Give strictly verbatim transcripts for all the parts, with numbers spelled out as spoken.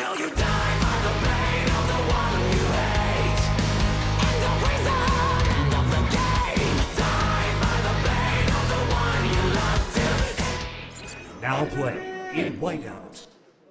Now play in Whiteout.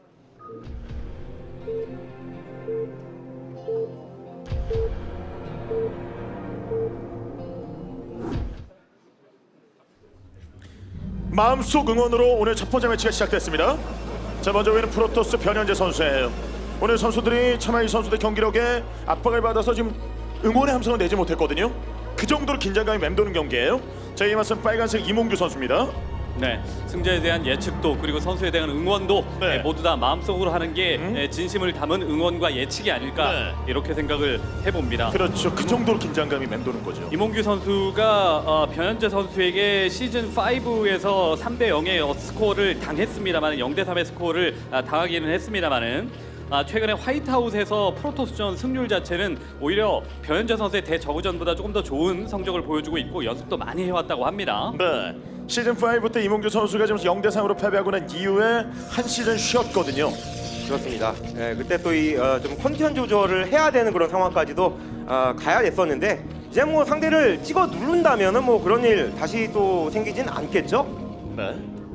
마음속 응원으로 오늘 첫 번째 매치가 시작됐습니다. 자, 먼저 보이는 프로토스 변현재 선수예요. 오늘 선수들이 차마 이 선수들 경기력에 압박을 받아서 지금 응원의 함성을 내지 못했거든요. 그 정도로 긴장감이 맴도는 경기예요. 자, 이에 맞선 빨간색 이몽규 선수입니다. 네, 승자에 대한 예측도 그리고 선수에 대한 응원도 네. 예, 모두 다 마음속으로 하는 게 음? 예, 진심을 담은 응원과 예측이 아닐까 네. 이렇게 생각을 해봅니다. 그렇죠. 그 정도로 긴장감이 맴도는 거죠. 이몽규 선수가 어, 변현재 선수에게 시즌 오에서 삼 대 영의 어, 스코어를 당했습니다만 영 대 삼의 스코어를 아, 당하기는 했습니다만은 아, 최근에 화이트하우스에서 프로토스전 승률 자체는 오히려 변현재 선수의 대저우전보다 조금 더 좋은 성적을 보여주고 있고 연습도 많이 해왔다고 합니다. 네. 시즌 오 때 이몽규 선수가 지금 영 대 삼으로 패배하고 난 이후에 한 시즌 쉬었거든요. 그렇습니다. 예, 그때 또 이 어, 좀 컨디션 조절을 해야 되는 그런 상황까지도 어, 가야 됐었는데 이제 뭐 상대를 찍어 누른다면은 뭐 그런 일 다시 또 생기진 않겠죠? 네.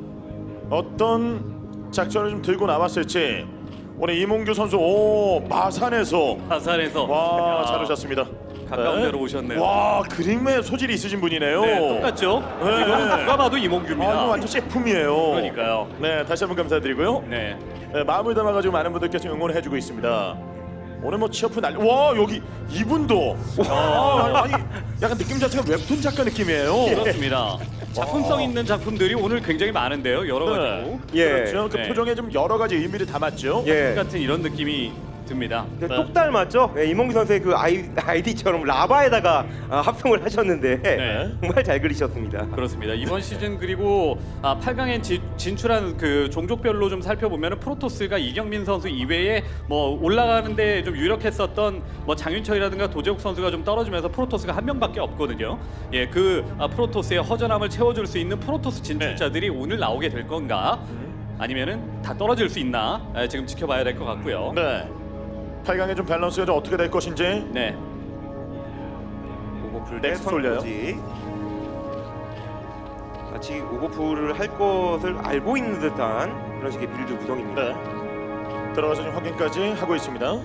어떤 작전을 좀 들고 나왔을지 오늘 이몽규 선수 오 마산에서 화산에서 와 잘하셨습니다. 가까운 네. 데로 오셨네요. 와 그림에 소질이 있으신 분이네요. 네, 똑같죠? 네. 이건 누가 봐도 아, 이몽규입니다. 이거 완전 제품이에요. 그러니까요. 네, 다시 한번 감사드리고요. 네. 네, 마음을 담아가지고 많은 분들께서 응원해주고 있습니다. 오늘 뭐 취업 난리. 와 여기 이분도. 와, 아니 약간 느낌 자체가 웹툰 작가 느낌이에요. 그렇습니다. 작품성 있는 작품들이 오늘 굉장히 많은데요. 여러 가지고. 예. 그렇죠. 그 네. 표정에 좀 여러 가지 의미를 담았죠. 예. 같은 이런 느낌이 듭니다. 네, 네. 똑 닮았죠? 예, 이몽규 선수의 그 아이, 아이디처럼 라바에다가 아, 합성을 하셨는데 네. 정말 잘 그리셨습니다. 그렇습니다. 이번 시즌 그리고 아, 팔 강에 지, 진출한 그 종족별로 좀 살펴보면 프로토스가 이경민 선수 이외에 뭐 올라가는데 좀 유력했었던 뭐 장윤철이라든가 도재욱 선수가 좀 떨어지면서 프로토스가 한 명밖에 없거든요. 예, 그 아, 프로토스의 허전함을 채워줄 수 있는 프로토스 진출자들이 오늘 나오게 될 건가? 아니면은 다 떨어질 수 있나? 아, 지금 지켜봐야 될 것 같고요. 네. 팔 강의 좀 밸런스가 좀 어떻게 될 것인지. 네. 오버풀 대 넥스 올려요. 선거지. 마치 오버풀을 할 것을 알고 있는 듯한 그런 식의 빌드 구성입니다. 네. 들어가서 좀 확인까지 하고 있습니다.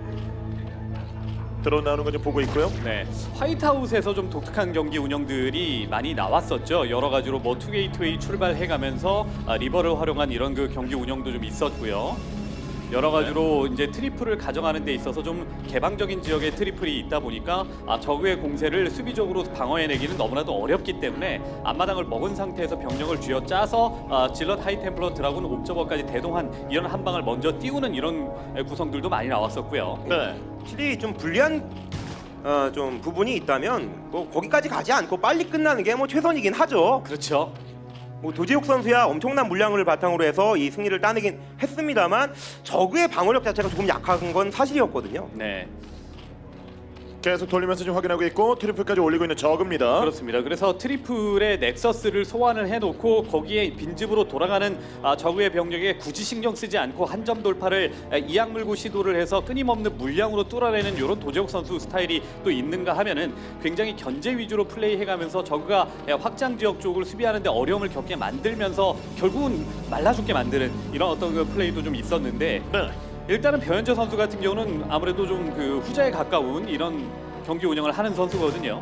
들어 나오는 거 좀 보고 있고요. 네, 화이트하우스에서 좀 독특한 경기 운영들이 많이 나왔었죠. 여러 가지로 뭐 투게이트웨이 출발해가면서 아, 리버를 활용한 이런 그 경기 운영도 좀 있었고요. 여러 가지로 이제 트리플을 가져가는 데 있어서 좀 개방적인 지역에 트리플이 있다 보니까 아, 적의 공세를 수비적으로 방어해내기는 너무나도 어렵기 때문에 앞마당을 먹은 상태에서 병력을 쥐어짜서 아, 질럿 하이템플러 드라군 옵저버까지 대동한 이런 한 방을 먼저 띄우는 이런 구성들도 많이 나왔었고요. 네. 확실히 좀 불리한 어, 좀 부분이 있다면 뭐 거기까지 가지 않고 빨리 끝나는 게 뭐 최선이긴 하죠. 그렇죠. 뭐 도재욱 선수야 엄청난 물량을 바탕으로 해서 이 승리를 따내긴 했습니다만 저그의 방어력 자체가 조금 약한 건 사실이었거든요. 네. 계속 돌리면서 좀 확인하고 있고 트리플까지 올리고 있는 저그입니다. 그렇습니다. 그래서 트리플의 넥서스를 소환을 해놓고 거기에 빈집으로 돌아가는 아, 적의 병력에 굳이 신경 쓰지 않고 한 점 돌파를 아, 이악 물고 시도를 해서 끊임없는 물량으로 뚫어내는 이런 도재욱 선수 스타일이 또 있는가 하면은 굉장히 견제 위주로 플레이해가면서 적가 확장 지역 쪽을 수비하는데 어려움을 겪게 만들면서 결국은 말라 죽게 만드는 이런 어떤 그 플레이도 좀 있었는데. 네. 일단은 변현재 선수 같은 경우는 아무래도 좀 그 후자에 가까운 이런 경기 운영을 하는 선수거든요.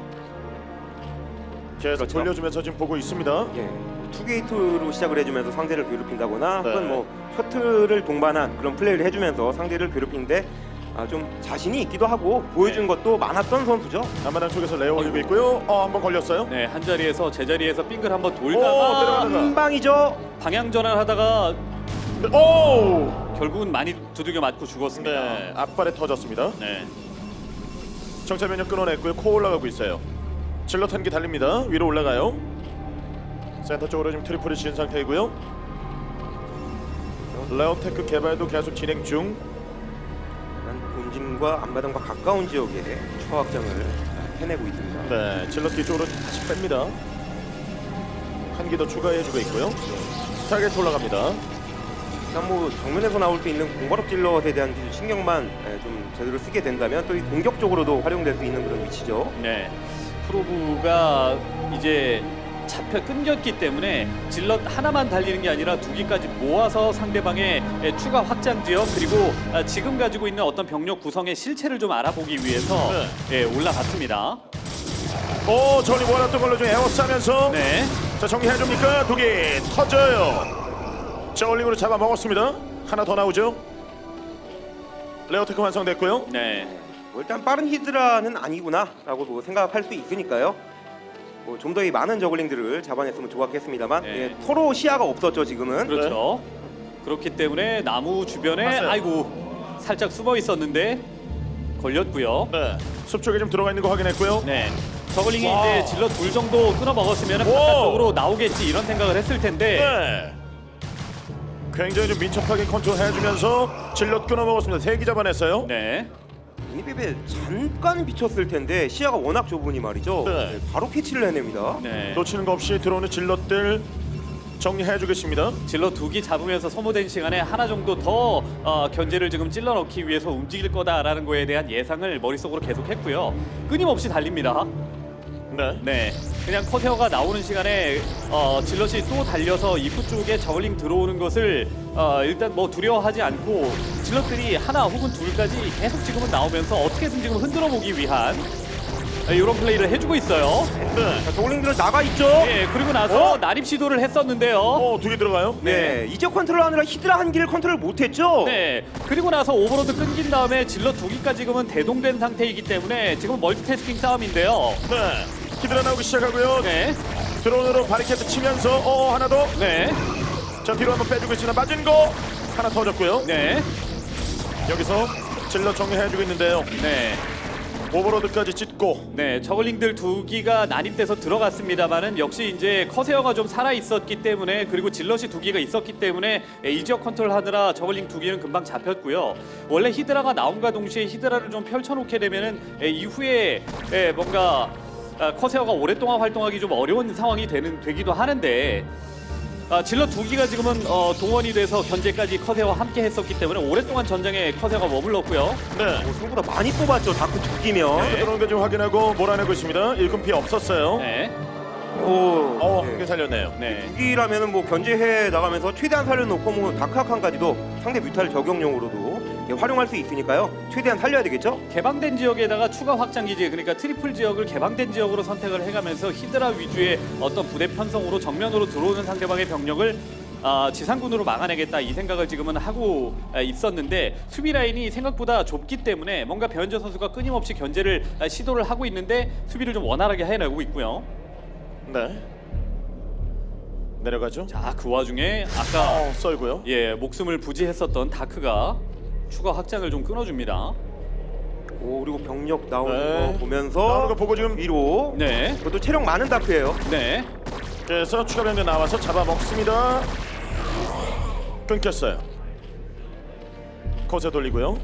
계속 그렇죠. 돌려주면서 지금 보고 있습니다. 예, 투게이트로 시작을 해주면서 상대를 괴롭힌다거나 네. 혹은 뭐 셔틀을 동반한 그런 플레이를 해주면서 상대를 괴롭히는데 아, 좀 자신이 있기도 하고 보여준 네. 것도 많았던 선수죠. 앞마당 쪽에서 레어 올리고 있고요. 어, 한번 걸렸어요. 네, 한 자리에서 제자리에서 빙글 한번 오, 돌다가 들어가는 한 방이죠. 방향 전환하다가 오! 결국은 많이 두들겨 맞고 죽었습니다. 네, 앞발에 터졌습니다. 네. 정찰 면역 끊어냈고요. 코 올라가고 있어요. 질럿 한 개 달립니다. 위로 올라가요. 센터 쪽으로 지금 트리플을 지은 상태이고요. 레어테크 개발도 계속 진행 중. 본진과 앞마당과 가까운 지역에 추가 확장을 해내고 있습니다. 네, 질럿 뒤쪽으로 다시 뺍니다. 한 개 더 추가해주고 있고요. 타겟 올라갑니다. 일단 뭐 정면에서 나올 수 있는 공바롭 질럿에 대한 기술 신경만 예, 좀 제대로 쓰게 된다면 또 이 공격적으로도 활용될 수 있는 그런 위치죠. 네, 프로브가 이제 잡혀 끊겼기 때문에 질럿 하나만 달리는 게 아니라 두 기까지 모아서 상대방의 추가 확장 지역 그리고 지금 가지고 있는 어떤 병력 구성의 실체를 좀 알아보기 위해서 예, 올라갔습니다. 오, 저리 원했던 걸로 좀 에워싸면서 네, 자, 정리해줍니까? 독이 터져요. 저울링으로 잡아먹었습니다. 하나 더 나오죠. 레어테크 완성됐고요. 네, 뭐 일단 빠른 히드라는 아니구나라고 뭐 생각할 수 있으니까요. 뭐 좀 더 이 많은 저글링들을 잡아냈으면 좋았겠습니다만 네. 예, 서로 시야가 없었죠 지금은. 그렇죠. 그렇기 때문에 나무 주변에 봤어요. 아이고 살짝 숨어 있었는데 걸렸고요. 네, 숲 쪽에 좀 들어가 있는 거 확인했고요. 네. 저글링이 와. 이제 질럿 둘 정도 끊어 먹었으면 오. 바깥쪽으로 나오겠지 이런 생각을 했을 텐데 네. 굉장히 좀 민첩하게 컨트롤해주면서 질럿 끊어먹었습니다. 세 기 잡아냈어요. 네. 미니맵에 잠깐 비쳤을 텐데 시야가 워낙 좁으니 말이죠. 네. 네, 바로 캐치를 해냅니다. 네. 놓치는 거 없이 들어오는 질럿들 정리해주겠습니다. 질럿 두 기 잡으면서 소모된 시간에 하나 정도 더 어, 견제를 지금 찔러 넣기 위해서 움직일 거다라는 거에 대한 예상을 머릿속으로 계속했고요. 끊임없이 달립니다. 네. 네, 그냥 커세어가 나오는 시간에 어, 질럿이 또 달려서 입구 쪽에 저글링 들어오는 것을 어, 일단 뭐 두려워하지 않고 질럿들이 하나 혹은 둘까지 계속 지금은 나오면서 어떻게든 지금 흔들어 보기 위한 이런 플레이를 해주고 있어요. 네. 자, 저글링들 나가 있죠. 예, 그리고 나서 어? 난입 시도를 했었는데요. 어, 두 개 들어가요? 네, 이제 컨트롤하느라 히드라 한 기를 컨트롤 못했죠. 네, 그리고 나서 오버로드 끊긴 다음에 질럿 두 기까지 지금은 대동된 상태이기 때문에 지금 멀티태스킹 싸움인데요. 네. 히드라 나오기 시작하고요. 네, 드론으로 바리케이트 치면서 어 하나 더. 네, 자, 뒤로 한번 빼주고 있습니다. 맞은 거 하나 터졌고요. 네, 여기서 질럿 정리해주고 있는데요. 네. 오버로드까지 찢고. 네, 저글링들 두 기가 난입돼서 들어갔습니다만은 역시 이제 커세어가 좀 살아 있었기 때문에 그리고 질럿이 두 기가 있었기 때문에 예, 이 지역 컨트롤하느라 저글링 두 기는 금방 잡혔고요. 원래 히드라가 나온과 동시에 히드라를 좀 펼쳐놓게 되면은 예, 이후에 예, 뭔가 아, 커세어가 오랫동안 활동하기 좀 어려운 상황이 되는 되기도 하는데. 아, 질럿 두 기가 지금은 어, 동원이 돼서 견제까지 커세어와 함께 했었기 때문에 오랫동안 전장에 커세어가 머물렀고요. 네. 뭐 생각보다 많이 뽑았죠. 다크 두 기면. 네. 들어오는 거 좀 확인하고 몰아내고 있습니다. 일금 피해 없었어요. 네, 오, 어, 네. 한 개 살렸네요. 네. 두 기라면은 뭐 견제해 나가면서 최대한 살려놓고 뭐 다크아칸까지도 상대 뮤탈 적용용으로도 예, 활용할 수 있으니까요. 최대한 살려야 되겠죠. 개방된 지역에다가 추가 확장 기지 그러니까 트리플 지역을 개방된 지역으로 선택을 해가면서 히드라 위주의 어떤 부대 편성으로 정면으로 들어오는 상대방의 병력을 아, 지상군으로 막아내겠다 이 생각을 지금은 하고 아, 있었는데 수비 라인이 생각보다 좁기 때문에 뭔가 배현재 선수가 끊임없이 견제를 아, 시도를 하고 있는데 수비를 좀 원활하게 해내고 있고요. 네. 내려가죠. 자, 그 와중에 아까 어, 썰고요. 예 목숨을 부지했었던 다크가 추가 확장을 좀 끊어줍니다. 오, 그리고 병력 나오는 네. 거 보면서 나오는 거 보고 지금 위로. 네, 그것도 체력 많은 다크예요. 네. 그래서 추가 병력 나와서 잡아먹습니다. 끊겼어요. 거세 돌리고요.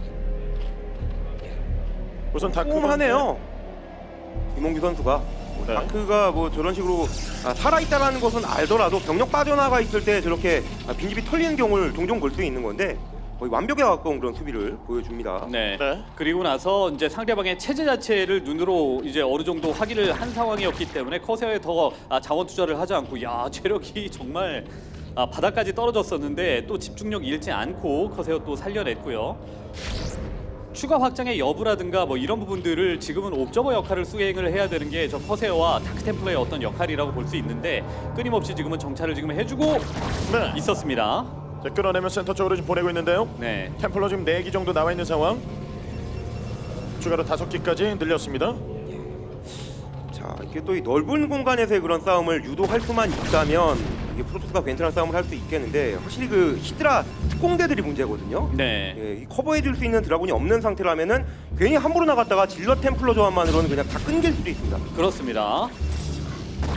우선 다크 꼼꼼하네요. 이몽규 선수가 뭐 네. 다크가 뭐 저런 식으로 아, 살아있다는 것은 알더라도 병력 빠져나가 있을 때 저렇게 아, 빈집이 털리는 경우를 종종 볼 수 있는 건데 거의 완벽에 가까운 그런 수비를 보여줍니다. 네. 네. 그리고 나서 이제 상대방의 체제 자체를 눈으로 이제 어느 정도 확인을 한 상황이었기 때문에 커세어에 더 아, 자원 투자를 하지 않고 야 체력이 정말 아, 바닥까지 떨어졌었는데 또 집중력 잃지 않고 커세어 또 살려냈고요. 추가 확장의 여부라든가 뭐 이런 부분들을 지금은 옵저버 역할을 수행을 해야 되는 게 저 커세어와 다크템플러의 어떤 역할이라고 볼 수 있는데 끊임없이 지금은 정찰을 지금 해주고 네. 있었습니다. 자, 끌어내면 센터 쪽으로 지금 보내고 있는데요. 네. 템플러 지금 네 기 정도 나와 있는 상황. 추가로 다섯 기까지 늘렸습니다. 자, 이게 또 이 넓은 공간에서의 그런 싸움을 유도할 수만 있다면 이게 프로토스가 괜찮은 싸움을 할 수 있겠는데 확실히 그 히드라 특공대들이 문제거든요. 네. 예, 이 커버해줄 수 있는 드라군이 없는 상태라면은 괜히 함부로 나갔다가 질럿 템플러 조합만으로는 그냥 다 끊길 수도 있습니다. 그렇습니다.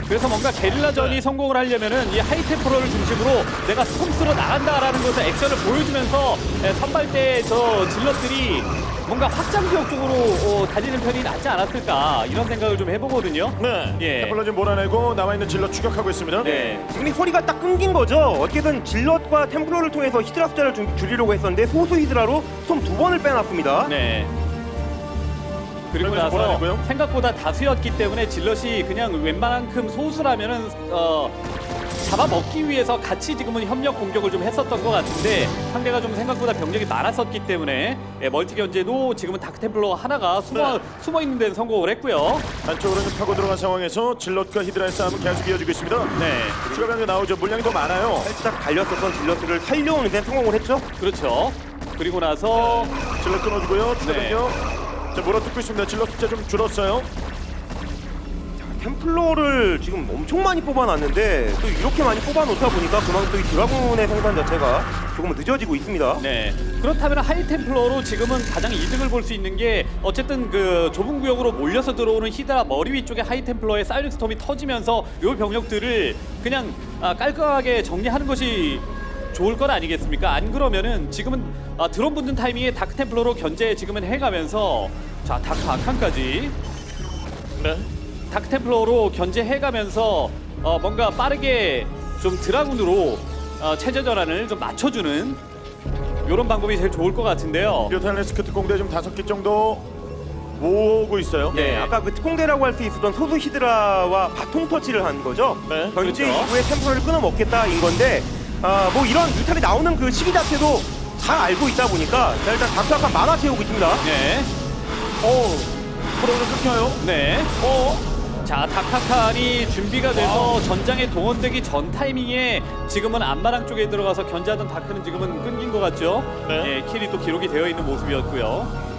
그래서 뭔가 게릴라전이 네. 성공을 하려면은 이 하이템프로를 중심으로 내가 스톰스로 나간다라는 것을 액션을 보여주면서 에, 선발대 저 질럿들이 뭔가 확장 지역 쪽으로 어, 다니는 편이 낫지 않았을까 이런 생각을 좀 해보거든요. 네. 예. 템플러 지금 몰아내고 남아있는 질러 추격하고 있습니다. 네. 지금 이 허리가 딱 끊긴 거죠. 어떻게든 질럿과 템플러를 통해서 히드라 숫자를 좀 줄이려고 했었는데 소수 히드라로 솜 두 번을 빼놨습니다. 네. 그리고 그러면서 나서 몰아내고요. 생각보다 다수였기 때문에 질럿이 그냥 웬만한큼 소수라면은 어, 잡아먹기 위해서 같이 지금은 협력 공격을 좀 했었던 것 같은데 상대가 좀 생각보다 병력이 많았었기 때문에 예, 멀티 견제도 지금은 다크템플러 하나가 숨어, 네. 숨어 있는 데는 성공을 했고요. 안쪽으로 좀 파고 들어간 상황에서 질럿과 히드라의 싸움은 계속 이어지고 있습니다. 네. 추가 병력 나오죠. 물량이 더 많아요. 살짝 달렸었던 질럿들을 살려오는 데 성공을 했죠. 그렇죠. 그리고 나서 질럿 끊어주고요. 추가 네. 병력 자, 몰아뜯고 있습니다. 질럿 숫자 좀 줄었어요. 템플러를 지금 엄청 많이 뽑아놨는데 또 이렇게 많이 뽑아놓다 보니까 그만큼 또 이 드라군의 생산 자체가 조금 늦어지고 있습니다. 네. 그렇다면 하이템플러로 지금은 가장 이득을 볼 수 있는 게 어쨌든 그 좁은 구역으로 몰려서 들어오는 히드라 머리 위쪽에 하이템플러의 사이렌 스톰이 터지면서 요 병력들을 그냥 아, 깔끔하게 정리하는 것이 좋을 것 아니겠습니까? 안 그러면은 지금은 아, 드론 붙는 타이밍에 다크템플러로 견제 지금은 해가면서 자 다크 아칸까지 네. 다크템플러로 견제해가면서 어, 뭔가 빠르게 좀 드라군으로 어, 체제 전환을 좀 맞춰주는 이런 방법이 제일 좋을 것 같은데요. 류탈레스크 특공대 지금 다섯 개 정도 모으고 있어요. 네. 네, 아까 그 특공대라고 할 수 있었던 소수 히드라와 바통 터치를 한 거죠. 네, 견제 그렇죠. 이후에 템플러를 끊어먹겠다인 건데 아, 뭐 이런 뮤탈이 나오는 그 시기 자체도 잘 알고 있다 보니까 자, 일단 각각한 만화 채우고 있습니다. 네, 오, 프로를 끊겨요. 네. 어, 자, 다카칸이 준비가 돼서 전장에 동원되기 전 타이밍에 지금은 안마랑 쪽에 들어가서 견제하던 다크는 지금은 끊긴 것 같죠? 네. 예, 킬이 또 기록이 되어 있는 모습이었고요.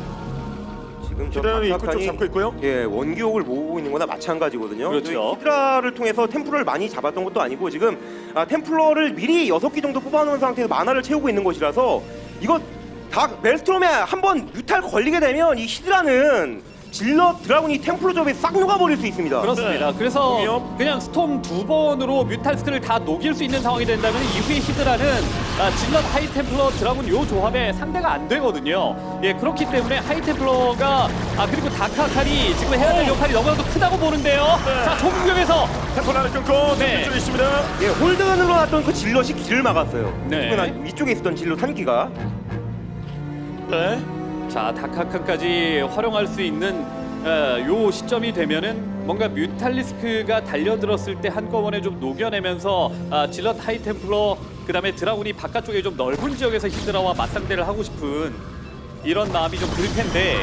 지금 저 히드라는 입구 쪽 각각이, 잡고 있고요. 예, 원기옥을 모으고 있는 거나 마찬가지거든요. 그렇죠. 저희 히드라를 통해서 템플러를 많이 잡았던 것도 아니고 지금 아, 템플러를 미리 여섯 개 정도 뽑아놓은 상태에서 만화를 채우고 있는 것이라서 이거 다 멜스트롬에 한번 뮤탈 걸리게 되면 이 히드라는 질럿 드라군이 템플러 조합에 싹 녹아버릴 수 있습니다. 그렇습니다. 네. 그래서 위협. 그냥 스톰 두 번으로 뮤탈스크를 다 녹일 수 있는 상황이 된다면 이후에 히드라는 아, 질럿 하이템플러 드라군 요 조합에 상대가 안 되거든요. 예, 그렇기 때문에 하이템플러가 아 그리고 다카칼이 지금 해야 될 역할이 너무나도 크다고 보는데요. 네. 자, 좁은 구역에서 템플 하나 끊고 네. 네. 쪽에 있습니다. 예, 홀드건으로 놨던 그 질럿이 길을 막았어요. 네. 특히나 위쪽에 있었던 질럿 한 기가. 네. 자, 다카칸까지 활용할 수 있는 어, 요 시점이 되면은 뭔가 뮤탈리스크가 달려들었을 때 한꺼번에 좀 녹여내면서 아, 질럿 하이템플러 그다음에 드라군이 바깥쪽에 좀 넓은 지역에서 히드라와 맞상대를 하고 싶은 이런 마음이 좀 들 텐데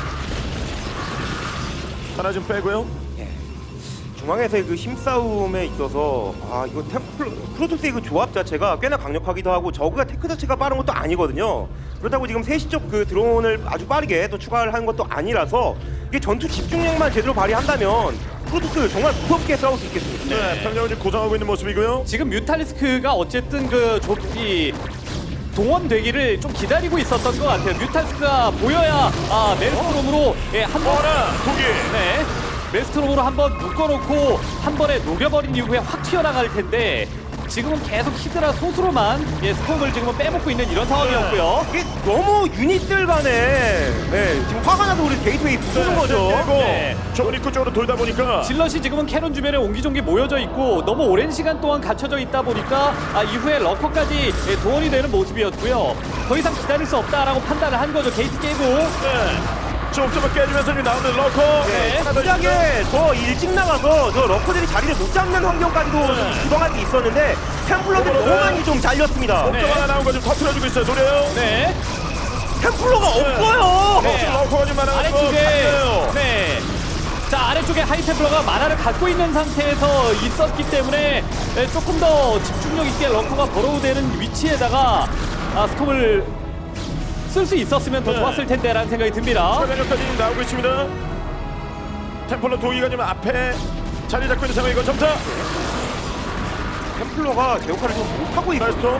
하나 좀 빼고요. 중앙에서의 그 힘싸움에 있어서 아 이거 템플 프로토스의 그 조합 자체가 꽤나 강력하기도 하고 저그가 테크 자체가 빠른 것도 아니거든요. 그렇다고 지금 세시 쪽 그 드론을 아주 빠르게 또 추가를 하는 것도 아니라서 이게 전투 집중력만 제대로 발휘한다면 프로토스 정말 무섭게 싸울 수 있겠습니다. 네. 네. 병력을 지금 구성하고 있는 모습이고요. 지금 뮤탈리스크가 어쨌든 그 좁이 동원되기를 좀 기다리고 있었던 것 같아요. 뮤탈리스크가 보여야 아 멜스트롬으로 예, 한번 하나, 두 개. 네. 메스트롬으로 한번 묶어놓고 한 번에 녹여버린 이후에 확 튀어나갈 텐데 지금은 계속 히드라 소수로만 예, 스톰을 지금은 빼먹고 있는 이런 상황이었고요. 이게 너무 유닛들 간에 네, 지금 화가 나서 우리 게이트웨이 부수는 거죠. 깨고 네. 좁은 입구 쪽으로 돌다 보니까 질럿이 지금은 캐논 주변에 옹기종기 모여져 있고 너무 오랜 시간 동안 갇혀져 있다 보니까 아, 이후에 러커까지 예, 동원이 되는 모습이었고요. 더 이상 기다릴 수 없다라고 판단을 한 거죠. 게이트 깨고. 네. 좁좁을 깨주면서 지금 나오는 러커. 네. 하나 더 있습니다. 만약에 더 일찍 나가서 저 러커들이 자리를 못 잡는 환경까지도 네. 구성할 수 있었는데 템플러들이 너무 많이 좀 잘렸습니다. 네. 옥점 하나 나온 거 좀 터트려주고 있어요. 노래요. 네. 템플러가 네. 없어요. 네. 지금 러커가 좀 많아서 아래쪽에 갔네요. 네. 자, 아래쪽에 하이템플러가 만화를 갖고 있는 상태에서 있었기 때문에 예, 조금 더 집중력 있게 러커가 버로우되는 위치에다가 아, 스톰을 쓸 수 있었으면 더 네. 좋았을 텐데라는 생각이 듭니다. 차량까지 지금 나오고 있습니다. 템플러 도기가 지금 앞에 자리 잡고 있는 상황이고 점사. 템플러가 제 역할을 좀 못하고 있거든요. 나이스톱.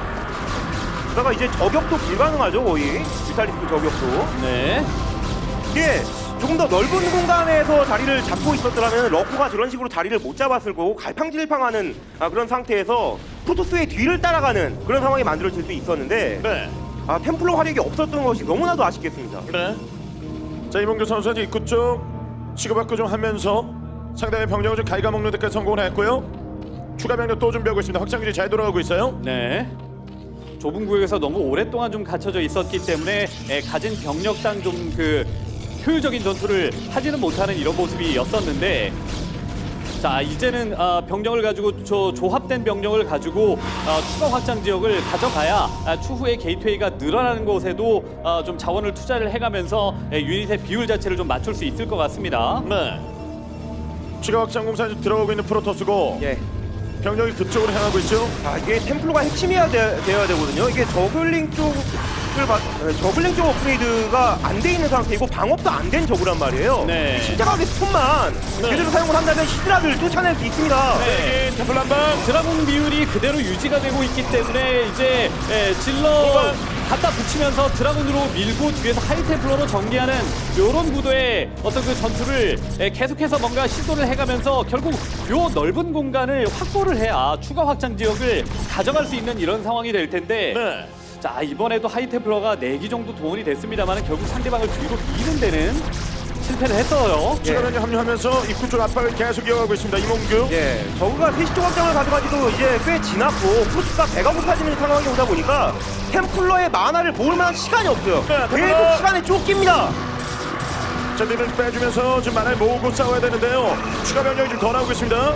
그러다가 이제 저격도 불가능하죠 거의 뮤탈리스크 저격도. 네. 이게 조금 더 넓은 공간에서 자리를 잡고 있었더라면 러코가 저런 식으로 자리를 못 잡았을 거고 갈팡질팡하는 아, 그런 상태에서 프로토스의 뒤를 따라가는 그런 상황이 만들어질 수 있었는데 네. 아, 템플러 화력이 없었던 것이 너무나도 아쉽겠습니다. 네. 자, 이몽규 선수는 이제 입구 쪽 치고받고 좀 하면서 상대의 병력을 좀 갉아먹는 데까지 성공을 했고요. 추가 병력 또 준비하고 있습니다. 확장기지 잘 돌아가고 있어요. 네. 좁은 구역에서 너무 오랫동안 좀 갇혀져 있었기 때문에 에, 가진 병력당 좀 그 효율적인 전투를 하지는 못하는 이런 모습이었었는데, 자 이제는 아, 병력을 가지고 저 조합된 병력을 가지고 아, 추가 확장 지역을 가져가야 아, 추후에 게이트웨이가 늘어나는 곳에도 아, 좀 자원을 투자를 해가면서 에, 유닛의 비율 자체를 좀 맞출 수 있을 것 같습니다. 네. 추가 확장 공사에 들어가고 있는 프로토스고 예. 병력이 그쪽으로 향하고 있죠. 아, 이게 템플러가 핵심이어야 돼, 되어야 되거든요. 이게 저글링 쪽을 봐, 네, 저글링 쪽 업그레이드가 안 돼 있는 상태이고 방업도 안 된 저그란 말이에요. 네. 신자각의 스톤만 네. 제대로 사용을 한다면 히드라를 쫓아낼 수 있습니다. 네. 네. 템플 한방. 드라군 비율이 그대로 유지가 되고 있기 때문에 이제 에, 질러 갖다 붙이면서 드라군으로 밀고 뒤에서 하이템플러로 정리하는 이런 구도의 어떤 그 전투를 에, 계속해서 뭔가 시도를 해가면서 결국 요 넓은 공간을 확보를 해야 추가 확장 지역을 가져갈 수 있는 이런 상황이 될 텐데 네. 자 이번에도 하이템플러가 네 기 정도 동원이 됐습니다만 결국 상대방을 뒤로 미는 데는 실패를 했어요. 추가 병력 합류하면서 입구 쪽 압박을 계속 이어가고 있습니다. 이몽규. 예, 저그가 세시 쪽 확장을 가져가지도 이제 꽤 지났고 프로스가 배가 고파지는 상황이 오다 보니까 템플러의 만화를 모을 만한 시간이 없어요. 네, 템플러! 계속 시간에 쫓깁니다. 자, 뒤를 빼주면서 지금 만화를 모으고 싸워야 되는데요. 추가 병력이 좀 더 나오고 있습니다.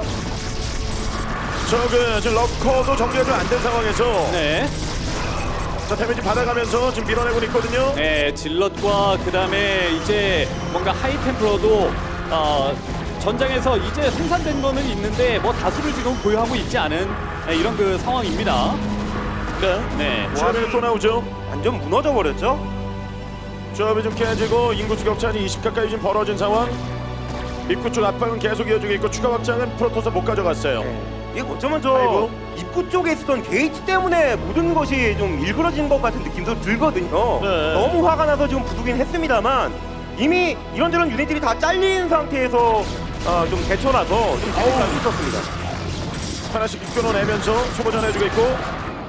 저그 지금 러커도 정리가 좀 안 된 상황에서 네. 자, 데미지 받아가면서 지금 밀어내고 있거든요. 네, 질럿과 그 다음에 이제 뭔가 하이템플러도 어, 전장에서 이제 생산된 거는 있는데 뭐 다수를 지금 보유하고 있지 않은 네, 이런 그 상황입니다. 네. 네, 추가 병력 또 나오죠. 완전 무너져 버렸죠. 조합이 좀 깨지고 인구수 격차는 이십 가까이 지금 벌어진 상황. 입구 쪽 압박은 계속 이어지고 있고 추가 확장은 프로토스 못 가져갔어요. 네. 이게 어쩌면 저 아이고. 입구 쪽에 있었던 게이트 때문에 모든 것이 좀 일그러진 것 같은 느낌도 들거든요. 네. 너무 화가 나서 지금 부수긴 했습니다만 이미 이런저런 유닛들이 다 잘린 상태에서 어, 좀 대처라서 좀 잘할 수 있었습니다. 하나씩 끊어내면서 소모전 해주고 있고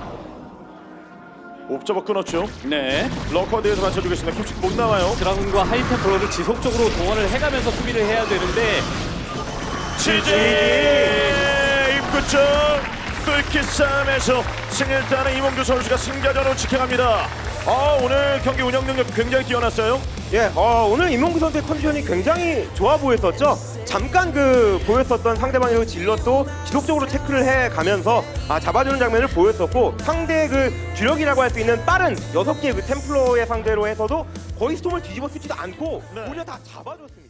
옵저버 끊었죠. 네. 러커드에서 맞춰주고 있습니다. 킴치 못 나와요. 드라군과 하이템플러를 지속적으로 동원을 해가면서 수비를 해야 되는데 지지 입구 쪽 뚫기 싸움에서 승리를 따는 이몽규 선수가 승자전으로 지켜갑니다. 아, 오늘 경기 운영 능력 굉장히 뛰어났어요. 예, 어, 오늘 임용구 선수의 컨디션이 굉장히 좋아 보였었죠. 잠깐 그 보였었던 상대방의 그 질럿도 지속적으로 체크를 해 가면서 아, 잡아주는 장면을 보였었고 상대의 그 주력이라고 할 수 있는 빠른 여섯 개의 그 템플러의 상대로 해서도 거의 스톰을 뒤집어 쓰지도 않고 네. 오히려 다 잡아줬습니다.